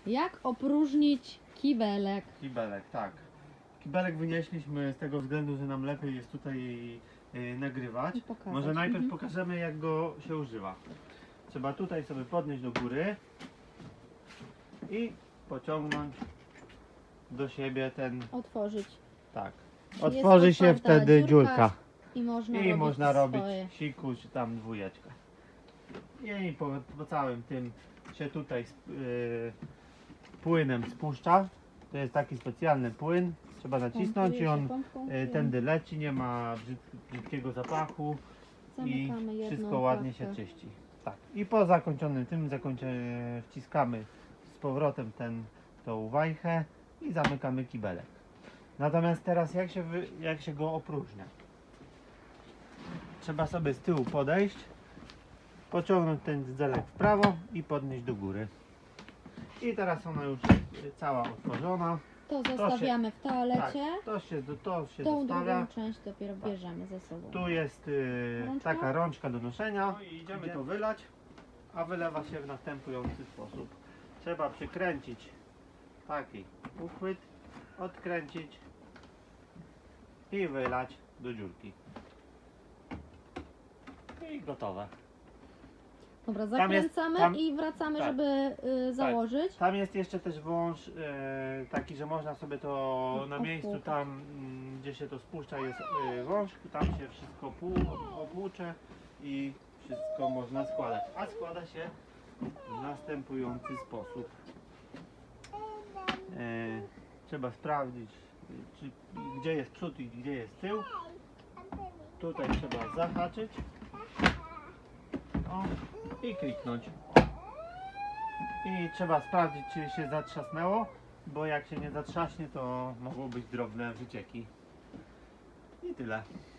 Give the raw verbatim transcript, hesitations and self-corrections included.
Jak opróżnić kibelek? Kibelek, tak. Kibelek wynieśliśmy z tego względu, że nam lepiej jest tutaj yy, nagrywać. I pokazać. Może najpierw Mhm. pokażemy, jak go się używa. Trzeba tutaj sobie podnieść do góry i pociągnąć do siebie ten, Otworzyć. tak. Jest Otworzy się otwarta wtedy dziurka dziurka I można i robić można robić swoje. siku czy tam dwójeczkę. I po, po całym tym się tutaj yy, płynem spuszcza. To jest taki specjalny płyn. Trzeba nacisnąć Pompuje i się on pompką yy, i tędy leci, nie ma brzyd- brzydkiego zapachu i zamykamy jedną wszystko ładnie się klatkę. czyści. Tak. I po zakończonym tym zakończę, wciskamy z powrotem ten, tą wajchę i zamykamy kibelek. Natomiast teraz jak się, wy, jak się go opróżnia? Trzeba sobie z tyłu podejść, pociągnąć ten zdzelek w prawo i podnieść do góry. I teraz ona już jest cała otworzona. To zostawiamy w toalecie. Tak, to się, to się Tą zostawia. drugą część dopiero bierzemy ze sobą. Tu jest y, Rączka? taka rączka do noszenia. No i idziemy to wylać, a wylewa się w następujący sposób. Trzeba przykręcić taki uchwyt, odkręcić i wylać do dziurki. I gotowe. Dobra, Tam jest- zakręcamy tam- i wracamy, tak. żeby y, założyć. Tam jest jeszcze też wąż e, taki, że można sobie to na miejscu Opłukać. tam, mm, gdzie się to spuszcza, jest e, wąż, tam się wszystko pół, opłucze i wszystko można składać. A składa się w następujący sposób. E, trzeba sprawdzić, czy, gdzie jest przód i gdzie jest tył. Tutaj trzeba zahaczyć o, i kliknąć. I trzeba sprawdzić, czy się zatrzasnęło, bo jak się nie zatrzaśnie, to mogą być drobne wycieki. I tyle.